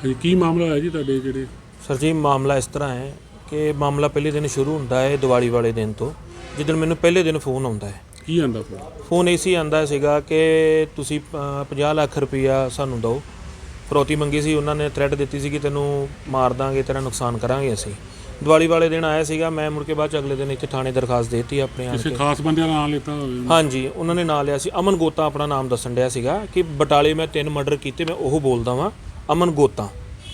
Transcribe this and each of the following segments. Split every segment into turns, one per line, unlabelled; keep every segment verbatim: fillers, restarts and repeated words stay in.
ਕੀ ਮਾਮਲਾ ਹੋਇਆ ਜੀ ਤੁਹਾਡੇ ਜਿਹੜੇ?
ਸਰ ਜੀ ਮਾਮਲਾ ਇਸ ਤਰ੍ਹਾਂ ਹੈ ਕਿ ਮਾਮਲਾ ਪਹਿਲੇ ਦਿਨ ਸ਼ੁਰੂ ਹੁੰਦਾ ਹੈ ਦੀਵਾਲੀ ਵਾਲੇ ਦਿਨ ਤੋਂ, ਜਿੱਦਣ ਮੈਨੂੰ ਪਹਿਲੇ ਦਿਨ ਫੋਨ ਆਉਂਦਾ ਹੈ।
ਕੀ ਆਂਦਾ ਫੋਨ?
ਫੋਨ ਇਸੀ ਆਂਦਾ ਸੀਗਾ ਕਿ ਤੁਸੀਂ ਪੰਜਾਹ ਲੱਖ ਰੁਪਈਆ ਸਾਨੂੰ ਦਿਓ। ਫਰੋਤੀ ਮੰਗੀ ਸੀ, ਉਹਨਾਂ ਨੇ ਥ੍ਰੈਟ ਦਿੱਤੀ ਸੀ ਕਿ ਤੈਨੂੰ ਮਾਰ ਦਾਂਗੇ, ਤੇਰਾ ਨੁਕਸਾਨ ਕਰਾਂਗੇ ਅਸੀਂ। ਦੀਵਾਲੀ ਵਾਲੇ ਦਿਨ ਆਇਆ ਸੀਗਾ, ਮੈਂ ਮੁੜ ਕੇ ਬਾਅਦ ਚ ਅਗਲੇ ਦਿਨ ਇੱਥੇ ਥਾਣੇ ਦਰਖਾਸਤ ਦੇਤੀ ਆਪਣੇ ਆਣ ਕੇ।
ਕਿਸੇ ਖਾਸ ਬੰਦੇ ਦਾ ਨਾਮ ਲਿੱਤਾ ਹੋਵੇ?
ਹਾਂਜੀ, ਉਹਨਾਂ ਨੇ ਨਾਂ ਲਿਆ ਸੀ ਅਮਨ ਗੋਤਾ, ਆਪਣਾ ਨਾਮ ਦੱਸਣ ਡਿਆ ਸੀਗਾ ਕਿ ਬਟਾਲੇ ਮੈਂ ਤਿੰਨ ਮਰਡਰ ਕੀਤੇ, ਮੈਂ ਉਹ ਬੋਲਦਾ ਵਾਂ ਅਮਨ ਗੋਤਾ।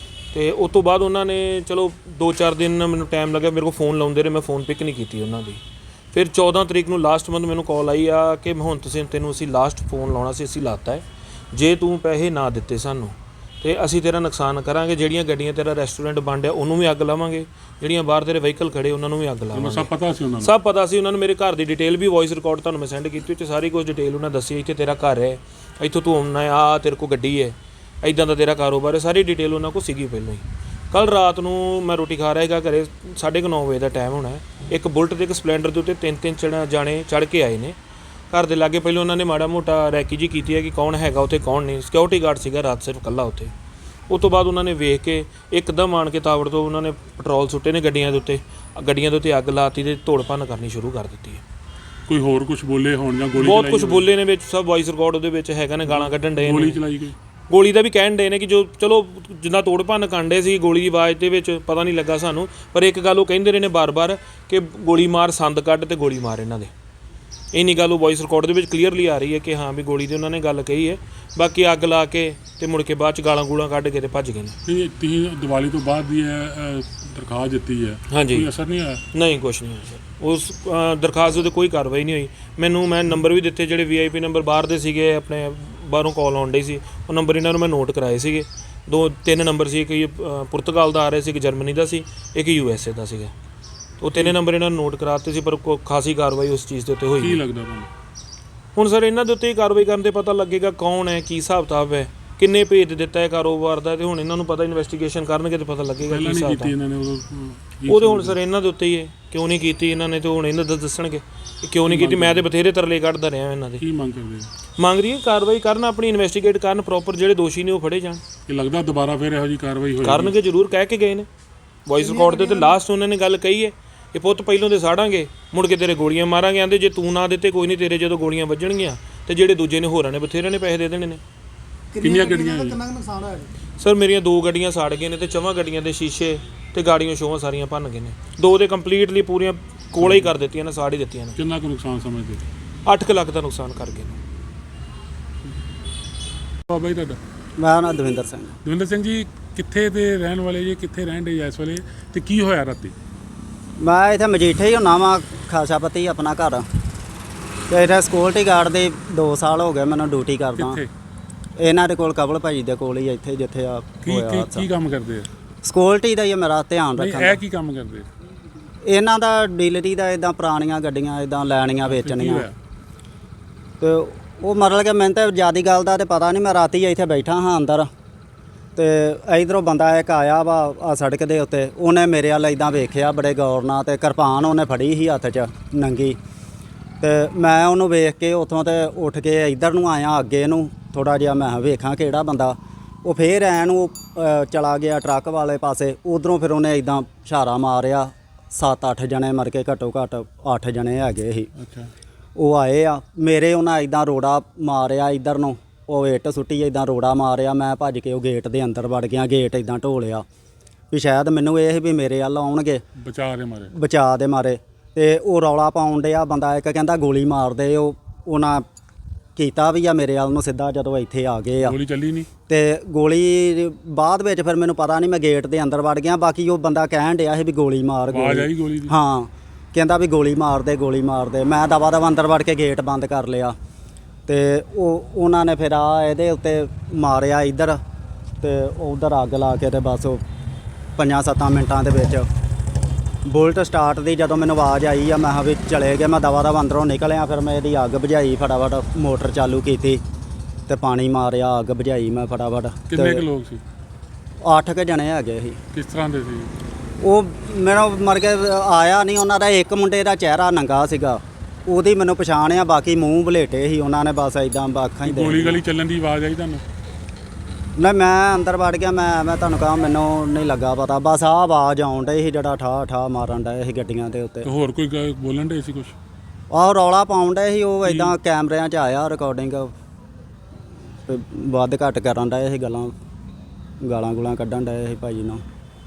ਤੇ ਉਸ ਤੋਂ ਬਾਅਦ ਉਹਨਾਂ ਨੇ ਚਲੋ ਦੋ ਚਾਰ ਦਿਨ ਮੈਨੂੰ ਟਾਈਮ ਲੱਗਿਆ, ਮੇਰੇ ਕੋਲ ਫੋਨ ਲਾਉਂਦੇ ਰਹੇ, ਮੈਂ ਫੋਨ ਪਿਕ ਨਹੀਂ ਕੀਤੀ ਉਹਨਾਂ ਦੀ। ਫਿਰ ਚੌਦਾਂ ਤਰੀਕ ਨੂੰ ਲਾਸਟ ਮੰਥ ਮੈਨੂੰ ਕਾਲ ਆਈ ਆ ਕਿ ਹੁਣ ਤੁਸੀਂ ਤੈਨੂੰ ਅਸੀਂ ਲਾਸਟ ਫੋਨ ਲਾਉਣਾ ਸੀ, ਅਸੀਂ ਲਾਤਾ ਹੈ, ਜੇ ਤੂੰ ਪੈਸੇ ਨਾ ਦਿੱਤੇ ਸਾਨੂੰ ਤੇ ਅਸੀਂ ਤੇਰਾ ਨੁਕਸਾਨ ਕਰਾਂਗੇ। ਜਿਹੜੀਆਂ ਗੱਡੀਆਂ ਤੇਰਾ ਰੈਸਟੋਰੈਂਟ ਬਣ ਰਿਹਾ ਉਹਨੂੰ ਵੀ ਅੱਗ ਲਾਵਾਂਗੇ, ਜਿਹੜੀਆਂ ਬਾਹਰ ਤੇਰੇ ਵਹੀਕਲ ਖੜੇ ਉਹਨਾਂ ਨੂੰ ਵੀ ਅੱਗ ਲਾਵਾਂਗੇ।
ਸਭ ਪਤਾ ਸੀ ਉਹਨਾਂ ਨੂੰ?
ਸਭ ਪਤਾ ਸੀ ਉਹਨਾਂ ਨੂੰ। ਮੇਰੇ ਘਰ ਦੀ ਡਿਟੇਲ ਵੀ ਵੌਇਸ ਰਿਕਾਰਡ ਤੁਹਾਨੂੰ ਮੈਂ ਸੈਂਡ ਕੀਤੀ, ਉੱਥੇ ਸਾਰੀ ਕੁਝ ਡਿਟੇਲ ਉਹਨਾਂ ਦੱਸੀ। ਇੱਥੇ ਤੇਰਾ ਘਰ ਹੈ, ਇੱਥੋਂ ਤੂੰ ਆਉਣਾ ਹੈ, ਆ ਤੇਰੇ ਕੋਲ ਗੱਡੀ ਹੈ, ਇੱਦਾਂ ਦਾ ਤੇਰਾ ਕਾਰੋਬਾਰ ਹੈ, ਸਾਰੀ ਡਿਟੇਲ ਉਹਨਾਂ ਕੋਲ ਸੀਗੀ ਪਹਿਲਾਂ ਹੀ। ਕੱਲ੍ਹ ਰਾਤ ਨੂੰ ਮੈਂ ਰੋਟੀ ਖਾ ਰਿਹਾ ਸੀਗਾ ਘਰੇ, ਸਾਢੇ ਕੁ ਨੌ ਵਜੇ ਦਾ ਟਾਈਮ ਹੋਣਾ। ਇੱਕ ਬੁਲਟ ਤੇ ਇੱਕ ਸਪਲੈਂਡਰ ਦੇ ਉੱਤੇ ਤਿੰਨ ਤਿੰਨ ਚੜਾ ਜਾਣੇ ਚੜ੍ਹ ਕੇ ਆਏ ਨੇ ਘਰ ਦੇ ਲਾਗੇ। ਪਹਿਲਾਂ ਉਹਨਾਂ ਨੇ ਮਾੜਾ ਮੋਟਾ ਰੈਕੀ ਜੀ ਕੀਤੀ ਹੈ ਕਿ ਕੌਣ ਹੈਗਾ ਉੱਥੇ ਕੌਣ ਨਹੀਂ। ਸਿਕਿਉਰਿਟੀ ਗਾਰਡ ਸੀਗਾ ਰਾਤ ਸਿਰਫ ਇਕੱਲਾ ਉੱਥੇ। ਉਸ ਤੋਂ ਬਾਅਦ ਉਹਨਾਂ ਨੇ ਵੇਖ ਕੇ ਇੱਕਦਮ ਆਣ ਕੇ ਤਾਵੜ ਤੋਂ ਉਹਨਾਂ ਨੇ ਪੈਟਰੋਲ ਸੁੱਟੇ ਨੇ ਗੱਡੀਆਂ ਦੇ ਉੱਤੇ, ਗੱਡੀਆਂ ਦੇ ਉੱਤੇ ਅੱਗ ਲਾਤੀ ਤੇ ਤੋੜ ਭੰਨ ਕਰਨੀ ਸ਼ੁਰੂ ਕਰ ਦਿੱਤੀ ਹੈ।
ਕੋਈ ਹੋਰ ਕੁਝ ਬੋਲੇ ਹੋਣ ਜਾਂ ਗੋਲੀ?
ਬਹੁਤ ਕੁਝ ਬੋਲੇ ਨੇ ਵਿੱਚ, ਸਭ ਵੌਇਸ ਰਿਕਾਰਡ ਉਹਦੇ ਵਿੱਚ ਹੈਗਾ ਨੇ, ਗਾਲਾਂ ਕੱਢਣ ਡਏ ਨੇ।
ਗੋਲੀ ਚਲਾਈ ਗਈ?
ਗੋਲੀ ਦਾ ਵੀ ਕਹਿਣ ਡਏ ਨੇ ਕਿ ਜੋ ਚਲੋ ਜਿੰਨਾ ਤੋੜ ਭੰਨ ਕਾਂਡੇ ਸੀ ਗੋਲੀ ਦੀ ਆਵਾਜ਼ ਦੇ ਵਿੱਚ ਪਤਾ ਨਹੀਂ ਲੱਗਾ ਸਾਨੂੰ, ਪਰ ਇੱਕ ਗੱਲ ਉਹ ਕਹਿੰਦੇ ਰਹੇ ਨੇ ਬਾਰ-ਬਾਰ ਕਿ ਗੋਲੀ ਮਾਰ, ਸੰਦ ਕੱਢ ਤੇ ਗੋਲੀ ਮਾਰ ਇਹਨਾਂ ਦੇ। ਇੰਨੀ ਗੱਲ ਉਹ ਵੌਇਸ ਰਿਕਾਰਡ ਦੇ ਵਿੱਚ ਕਲੀਅਰਲੀ ਆ ਰਹੀ ਹੈ ਕਿ ਹਾਂ ਵੀ ਗੋਲੀ ਦੀ ਉਹਨਾਂ ਨੇ ਗੱਲ ਕਹੀ ਹੈ। ਬਾਕੀ ਅੱਗ ਲਾ ਕੇ ਤੇ ਮੁੜ ਕੇ ਬਾਅਦ ਚ ਗਾਲਾਂ ਗੂਲਾਂ ਕੱਢ ਕੇ ਤੇ ਭੱਜ ਗਏ ਨੇ।
ਤੁਸੀਂ ਦੀਵਾਲੀ ਤੋਂ ਬਾਅਦ ਦੀ ਦਰਖਾਸਤ ਦਿੱਤੀ ਹੈ,
ਹਾਂਜੀ,
ਕੋਈ ਅਸਰ ਨਹੀਂ ਆਇਆ?
ਨਹੀਂ, ਕੁਛ ਨਹੀਂ ਹੋਇਆ ਸਰ। ਉਸ ਦਰਖਾਸਤ ਉੱਤੇ ਕੋਈ ਕਾਰਵਾਈ ਨਹੀਂ ਹੋਈ। ਮੈਨੂੰ ਮੈਂ ਨੰਬਰ ਵੀ ਦਿੱਤੇ ਜਿਹੜੇ ਵੀ ਆਈ ਪੀ ਨੰਬਰ ਬਾਹਰ ਦੇ ਸੀਗੇ, ਆਪਣੇ ਬਾਹਰੋਂ ਕਾਲ ਆਉਣ ਡਈ ਸੀ, ਉਹ ਨੰਬਰ ਇਹਨਾਂ ਨੂੰ ਮੈਂ ਨੋਟ ਕਰਾਏ ਸੀਗੇ। ਦੋ ਤਿੰਨ ਨੰਬਰ ਸੀ, ਇੱਕ ਪੁਰਤਗਾਲ ਦਾ ਆ ਰਿਹਾ ਸੀ, ਇੱਕ ਜਰਮਨੀ ਦਾ ਸੀ, ਇੱਕ ਯੂ ਐਸ ਏ ਦਾ ਸੀਗਾ। ਉਹ ਤਿੰਨੇ ਨੰਬਰ ਇਹਨਾਂ ਨੂੰ ਨੋਟ ਕਰਾਤੇ ਸੀ, ਪਰ ਕੋਈ ਖਾਸੀ ਕਾਰਵਾਈ ਉਸ ਚੀਜ਼ ਦੇ ਉੱਤੇ ਹੋਈ।
ਕੀ ਲੱਗਦਾ ਤੁਹਾਨੂੰ
ਹੁਣ ਸਰ ਇਹਨਾਂ ਦੇ ਉੱਤੇ ਹੀ ਕਾਰਵਾਈ ਕਰਨ ਤੇ ਪਤਾ ਲੱਗੇਗਾ ਕੌਣ ਹੈ, ਕੀ ਹਿਸਾਬ ਕਿਤਾਬ ਹੈ, ਕਿੰਨੇ ਭੇਜ ਦਿੱਤਾ ਹੈ ਕਾਰੋਬਾਰ ਦਾ, ਤੇ ਹੁਣ ਇਹਨਾਂ ਨੂੰ ਪਤਾ ਇਨਵੈਸਟੀਗੇਸ਼ਨ ਕਰਨਗੇ ਤੇ ਪਤਾ ਲੱਗੇਗਾ ਕੀ ਹਿਸਾਬ ਕਿਤਾਬ।
ਇਹਨਾਂ ਨੇ
ਉਹ ਤਾਂ ਹੁਣ ਸਰ ਇਹਨਾਂ ਦੇ ਉੱਤੇ ਹੀ ਹੈ, ਕਿਉਂ ਨਹੀਂ ਕੀਤੀ ਇਹਨਾਂ ਨੇ, ਤੇ ਹੁਣ ਇਹਨਾਂ ਦਾ ਦੱਸਣਗੇ ਕਿਉਂ ਨਹੀਂ ਕੀਤੀ। ਮੈਂ ਤੇ ਬਥੇਰੇ ਤਰਲੇ ਕੱਢਦਾ ਰਿਹਾ ਇਹਨਾਂ ਦੇ।
ਕੀ ਮੰਗ ਕਰਦੇ?
ਮੰਗ ਰਹੀ ਹੈ ਕਾਰਵਾਈ ਕਰਨ, ਆਪਣੀ ਇਨਵੈਸਟੀਗੇਟ ਕਰਨ ਪ੍ਰੋਪਰ, ਜਿਹੜੇ ਦੋਸ਼ੀ ਨੇ ਉਹ ਫੜੇ ਜਾਣ।
ਇਹ ਲੱਗਦਾ ਦੁਬਾਰਾ ਫਿਰ ਇਹੋ ਜਿਹੀ ਕਾਰਵਾਈ ਹੋਏਗੀ?
ਕਰਨਗੇ ਜ਼ਰੂਰ, ਕਹਿ ਕੇ ਗਏ ਨੇ ਵੌਇਸ ਰਿਕਾਰਡ ਦੇ ਉੱਤੇ। ਲਾਸਟ ਉਹਨਾਂ ਨੇ ਗੱਲ ਕਹੀ ਹੈ ਕਿ ਪੁੱਤ ਪਹਿਲੋਂ ਦੇ ਸਾੜਾਂਗੇ, ਮੁੜ ਕੇ ਤੇਰੇ ਗੋਲੀਆਂ ਮਾਰਾਂਗੇ। ਆਂਦੇ ਜੇ ਤੂੰ ਨਾ ਦਿੱਤੇ ਕੋਈ ਨਹੀਂ, ਤੇਰੇ ਜਦੋਂ ਗੋਲੀਆਂ ਵੱਜਣਗੀਆਂ ਤੇ ਜਿਹੜੇ ਦੂਜੇ ਨੇ ਹੋਰਾਂ ਨੇ ਬਥੇਰੇ ਨੇ ਪੈਸੇ ਦੇ ਦੇਣੇ ਨੇ।
ਕਿੰਨੀਆਂ ਗੱਡੀਆਂ?
ਕਿੰਨਾ ਨੁਕਸਾਨ ਹੋਇਆ
ਸਰ ਮੇਰੀਆਂ ਦੋ ਗੱਡੀਆਂ ਸਾੜ ਗਏ ਨੇ ਤੇ ਚੌਵਾਂ ਗੱਡੀਆਂ ਦੇ ਸ਼ੀਸ਼ੇ ਤੇ ਗਾੜੀਆਂ ਸ਼ੋਆਂ ਸਾਰੀਆਂ ਭੰਨ ਗਏ ਨੇ। ਦੋ ਦੇ ਕੰਪਲੀਟਲੀ ਪੂਰੀਆਂ ਕੋਲੇ ਹੀ ਕਰ ਦਿੱਤੀਆਂ ਨੇ, ਸਾੜ ਹੀ ਦਿੱਤੀਆਂ ਨੇ।
ਕਿੰਨਾ ਕੁ ਨੁਕਸਾਨ ਸਮਝਦੇ?
ਅੱਠ ਕੁ ਲੱਖ ਦਾ ਨੁਕਸਾਨ ਕਰ ਗਏ ਨੇ।
ਬਾਬਾ ਜੀ ਤੁਹਾਡਾ?
ਮੇਰਾ ਨਾਮ ਦਵਿੰਦਰ ਸਿੰਘ।
ਦਵਿੰਦਰ ਸਿੰਘ ਜੀ, ਕਿੱਥੇ ਦੇ ਰਹਿਣ ਵਾਲੇ ਜੀ? ਕਿੱਥੇ ਰਹਿਣ ਦੇ ਇਸ ਵੇਲੇ ਤੇ ਕੀ ਹੋਇਆ ਰਾਤੀ?
ਮੈਂ ਇੱਥੇ ਮਜੀਠੇ ਹੀ ਹੁੰਨਾ ਵਾਂ, ਖਾਸਾ ਪਤੀ ਆਪਣਾ ਘਰ। ਤੇ ਇੱਥੇ ਸਿਕਿਉਰਟੀ ਗਾਰਡ ਦੇ ਦੋ ਸਾਲ ਹੋ ਗਏ ਮੈਨੂੰ ਡਿਊਟੀ ਕਰਦਾ।
ਕਿੱਥੇ?
ਇਹਨਾਂ ਦੇ ਕੋਲ, ਕਬਲ ਭਾਜੀ ਦੇ ਕੋਲ ਹੀ, ਇੱਥੇ ਜਿੱਥੇ ਆ
ਕੀ
ਹੋਇਆ।
ਕੀ ਕੰਮ ਕਰਦੇ ਆ?
ਸਿਕਿਉਰਟੀ ਦਾ ਹੀ ਮੇਰਾ ਧਿਆਨ
ਨਹੀਂ,
ਰੱਖਣਾ।
ਇਹ ਕੀ ਕੰਮ ਕਰਦੇ?
ਇਹਨਾਂ ਦਾ ਡੀਲਰੀ ਦਾ, ਇਦਾਂ ਪੁਰਾਣੀਆਂ ਗੱਡੀਆਂ ਇਦਾਂ ਲੈਣੀਆਂ ਵੇਚਣੀਆਂ। ਤੇ ਉਹ ਮਤਲਬ ਕਿ ਮੈਨੂੰ ਤਾਂ ਜ਼ਿਆਦਾ ਗੱਲ ਦਾ ਤਾਂ ਪਤਾ ਨਹੀਂ। ਮੈਂ ਰਾਤੀ ਇੱਥੇ ਬੈਠਾ ਹਾਂ ਅੰਦਰ, ਤੇ ਇਧਰੋਂ ਬੰਦਾ ਇੱਕ ਆਇਆ ਵਾ ਆ ਸੜਕ ਦੇ ਉੱਤੇ। ਉਹਨੇ ਮੇਰੇ ਵੱਲ ਇਦਾਂ ਵੇਖਿਆ ਬੜੇ ਗੌਰ ਨਾਲ, ਤੇ ਕਿਰਪਾਨ ਉਹਨੇ ਫੜੀ ਸੀ ਹੱਥ 'ਚ ਨੰਗੀ। ਤੇ ਮੈਂ ਉਹਨੂੰ ਵੇਖ ਕੇ ਉੱਥੋਂ ਤੇ ਉੱਠ ਕੇ ਇੱਧਰ ਨੂੰ ਆਇਆ ਅੱਗੇ ਨੂੰ ਥੋੜ੍ਹਾ ਜਿਹਾ, ਮੈਂ ਵੇਖਾਂ ਕਿਹੜਾ ਬੰਦਾ। ਉਹ ਫੇਰ ਐਂ ਨੂੰ ਚਲਾ ਗਿਆ ਟਰੱਕ ਵਾਲੇ ਪਾਸੇ। ਉੱਧਰੋਂ ਫਿਰ ਉਹਨੇ ਇਦਾਂ ਇਸ਼ਾਰਾ ਮਾਰਿਆ। ਸੱਤ ਅੱਠ ਜਣੇ ਮਰ ਕੇ, ਘੱਟੋ ਘੱਟ ਅੱਠ ਜਣੇ ਹੈਗੇ ਸੀ।
ਅੱਛਾ। ਉਹ
ਆਏ ਆ ਮੇਰੇ, ਉਹਨਾਂ ਇਦਾਂ ਰੋੜਾ ਮਾਰਿਆ ਇੱਧਰ ਨੂੰ, ਉਹ ਇੱਟ ਸੁੱਟੀ ਇਦਾਂ ਰੋੜਾ ਮਾਰਿਆ। ਮੈਂ ਭੱਜ ਕੇ ਉਹ ਗੇਟ ਦੇ ਅੰਦਰ ਵੜ ਗਿਆ, ਗੇਟ ਇਦਾਂ ਢੋਲਿਆ ਵੀ ਸ਼ਾਇਦ ਮੈਨੂੰ ਇਹ ਵੀ ਮੇਰੇ ਵੱਲ ਆਉਣਗੇ,
ਬਚਾ ਦੇ ਮਾਰੇ
ਬਚਾ ਦੇ ਮਾਰੇ। ਤੇ ਉਹ ਰੌਲਾ ਪਾਉਣ ਡਿਆ ਬੰਦਾ ਇੱਕ, ਕਹਿੰਦਾ ਗੋਲੀ ਮਾਰ ਦੇ। ਉਹ ਉਹਨਾਂ ਕੀਤਾ ਵੀ ਆ ਮੇਰੇ ਵੱਲ ਨੂੰ ਸਿੱਧਾ। ਜਦੋਂ ਇੱਥੇ ਆ ਗਏ ਆ,
ਗੋਲੀ ਚੱਲੀ ਨਹੀਂ?
ਤੇ ਗੋਲੀ ਬਾਅਦ ਵਿੱਚ ਫਿਰ ਮੈਨੂੰ ਪਤਾ ਨਹੀਂ, ਮੈਂ ਗੇਟ ਦੇ ਅੰਦਰ ਵੜ ਗਿਆ। ਬਾਕੀ ਉਹ ਬੰਦਾ ਕਹਿਣ ਡਿਆ ਸੀ ਵੀ ਗੋਲੀ ਮਾਰ।
ਆਵਾਜ਼ ਆਈ ਗੋਲੀ ਦੀ?
ਹਾਂ, ਕਹਿੰਦਾ ਵੀ ਗੋਲੀ ਮਾਰ ਦੇ, ਗੋਲੀ ਮਾਰ ਦੇ। ਮੈਂ ਦਵਾ ਦਵਾ ਅੰਦਰ ਵੜ ਕੇ ਗੇਟ ਬੰਦ ਕਰ ਲਿਆ। ਤੇ ਉਹ ਉਹਨਾਂ ਨੇ ਫਿਰ ਆ ਇਹਦੇ ਉੱਤੇ ਮਾਰਿਆ ਇੱਧਰ, ਤੇ ਉੱਧਰ ਅੱਗ ਲਾ ਕੇ ਤੇ ਬਸ ਉਹ ਪੰਜਾਂ ਸੱਤਾਂ ਮਿੰਟਾਂ ਦੇ ਵਿੱਚ ਬੁਲਟ ਸਟਾਰਟ ਦੀ ਜਦੋਂ ਮੈਨੂੰ ਆਵਾਜ਼ ਆਈ ਆ, ਮੈਂ ਕਿਹਾ ਵੀ ਚਲੇ ਗਏ। ਮੈਂ ਦਵਾ ਦਵਾ ਅੰਦਰੋਂ ਨਿਕਲਿਆ, ਫਿਰ ਮੈਂ ਇਹਦੀ ਅੱਗ ਬੁਝਾਈ, ਫਟਾਫਟ ਮੋਟਰ ਚਾਲੂ ਕੀਤੀ ਤੇ ਪਾਣੀ ਮਾਰਿਆ, ਅੱਗ ਬੁਝਾਈ ਮੈਂ ਫਟਾਫਟ।
ਕਿੰਨੇ ਕੁ ਲੋਕ ਸੀ?
ਅੱਠ ਕੁ ਜਣੇ ਹੈਗੇ ਸੀ।
ਕਿਸ ਤਰ੍ਹਾਂ ਦੇ ਸੀ
ਉਹ? ਮੇਰਾ ਮਰ ਕੇ ਆਇਆ ਨਹੀਂ ਉਹਨਾਂ ਦਾ। ਇੱਕ ਮੁੰਡੇ ਦਾ ਚਿਹਰਾ ਨੰਗਾ ਸੀਗਾ, ਉਹਦੀ ਮੈਨੂੰ ਪਛਾਣ ਆ। ਬਾਕੀ ਮੂੰਹ ਬਲੇਟੇ ਸੀ ਉਹਨਾਂ ਨੇ, ਬਸ ਇਦਾਂ ਅੱਖਾਂ ਹੀ ਦੇ।
ਗੋਲੀ ਗਲੀ ਚੱਲਣ ਦੀ ਆਵਾਜ਼ ਆਈ ਤੁਹਾਨੂੰ?
ਨਹੀਂ ਮੈਂ ਅੰਦਰ ਵੜ ਗਿਆ। ਮੈਂ ਮੈਂ ਤੁਹਾਨੂੰ ਕਹਾਂ ਮੈਨੂੰ ਨਹੀਂ ਲੱਗਾ ਪਤਾ, ਬਸ ਆਹ ਆਵਾਜ਼ ਆਉਣ ਡਈ ਸੀ ਜਿਹੜਾ ਠਾ ਠਾ ਮਾਰਨ ਡਏ ਸੀ ਗੱਡੀਆਂ ਦੇ ਉੱਤੇ।
ਤੇ ਹੋਰ ਕੋਈ ਗ- ਬੋਲਣ ਡੇ ਸੀ ਕੁਛ?
ਆਹ ਰੌਲਾ ਪਾਉਣ ਡਏ ਸੀ ਉਹ, ਇਦਾਂ ਕੈਮਰਿਆਂ 'ਚ ਆਇਆ ਰਿਕਾਰਡਿੰਗ, ਵੱਧ ਘੱਟ ਕਰਨ ਡਏ ਸੀ ਗੱਲਾਂ, ਗਾਲਾਂ ਗੁਲਾਂ ਕੱਢਣ ਡਏ ਸੀ ਭਾਜੀ ਨੂੰ।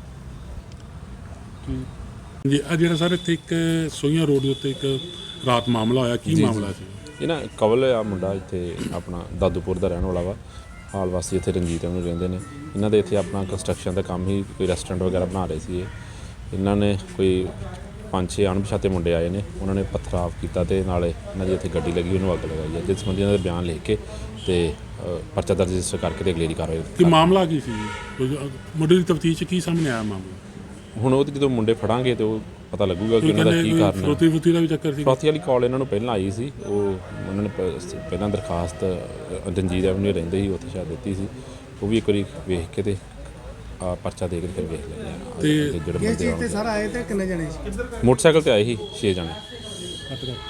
ਜੀ ਆ ਜਿਹੜਾ ਸਰ ਇੱਥੇ ਇੱਕ ਸੋਹੀਆਂ ਰੋਡ ਦੇ ਉੱਤੇ ਇੱਕ ਰਾਤ ਮਾਮਲਾ ਹੋਇਆ, ਕੀ ਮਾਮਲਾ ਸੀ?
ਇਹ ਨਾ ਕਵਲ ਆ ਮੁੰਡਾ, ਇੱਥੇ ਆਪਣਾ ਦਾਦੂਪੁਰ ਦਾ ਰਹਿਣ ਵਾਲਾ ਵਾ, ਹਾਲ ਵਾਸੀ ਇੱਥੇ ਰਣਜੀਤ ਨੂੰ ਰਹਿੰਦੇ ਨੇ। ਇਹਨਾਂ ਦੇ ਇੱਥੇ ਆਪਣਾ ਕੰਸਟਰਕਸ਼ਨ ਦਾ ਕੰਮ ਹੀ, ਕੋਈ ਰੈਸਟੋਰੈਂਟ ਵਗੈਰਾ ਬਣਾ ਰਹੇ ਸੀ ਇਹ। ਇਹਨਾਂ ਨੇ ਕੋਈ ਪੰਜ ਛੇ ਅਣਪਛਾਤੇ ਮੁੰਡੇ ਆਏ ਨੇ, ਉਹਨਾਂ ਨੇ ਪਥਰਾਵ ਕੀਤਾ ਤੇ ਨਾਲੇ ਇਹਨਾਂ ਦੀ ਇੱਥੇ ਗੱਡੀ ਲੱਗੀ, ਉਹਨੂੰ ਅੱਗ ਲਗਾਈ ਹੈ, ਜਿਸ ਸੰਬੰਧੀ ਇਹਨਾਂ ਦੇ ਬਿਆਨ ਲਿਖ ਕੇ ਤੇ ਅ, ਪਰਚਾ ਦਰਜ ਰਜਿਸਟਰ ਕਰਕੇ ਤੇ ਅਗਲੇਰੀ ਕਾਰਵਾਈ
ਕੀ ਮਾਮਲਾ ਕੀ ਸੀ? ਕੋਈ ਮੁੱਢਲੀ ਦੀ ਤਫਤੀਸ਼ 'ਚ ਕੀ ਸਾਹਮਣੇ ਆਇਆ ਮਾਮਲਾ?
ਹੁਣ ਉਹ ਤੇ ਜਦੋਂ ਮੁੰਡੇ ਫੜਾਂਗੇ ਤੇ ਉਹ ਪਤਾ ਲੱਗੂਗਾ ਕਿ ਉਹਨਾਂ ਦਾ ਕੀ ਕਾਰਨ ਹੈ।
ਫਰੋਤੀ ਫਰੋਤੀ ਦਾ ਵੀ ਚੱਕਰ ਸੀ?
ਫਰੋਤੀ ਵਾਲੀ ਕਾਲ ਇਹਨਾਂ ਨੂੰ ਪਹਿਲਾਂ ਆਈ ਸੀ, ਉਹ ਉਹਨਾਂ ਨੇ ਪ- ਪਹਿਲਾਂ ਦਰਖਾਸਤ ਰਣਜੀਤ ਐਵਨਿਊ ਰਹਿੰਦੇ ਸੀ ਉੱਥੇ ਸ਼ਾਇਦ ਦਿੱਤੀ ਸੀ, ਉਹ ਵੀ ਇੱਕ ਵਾਰੀ ਵੇਖ ਕੇ ਤੇ ਆ ਪਰਚਾ ਦੇ ਕੇ ਫਿਰ ਵੇਖ ਲੈਂਦੇ ਆ।
ਤੇ
ਜਿਹੜੇ ਬੰਦੇ
ਤੇ ਸਰ ਆਏ ਤੇ ਕਿੰਨੇ ਜਣੇ ਸੀ?
ਮੋਟਰਸਾਈਕਲ ਤੇ ਆਏ ਸੀ ਛੇ ਜਣੇ।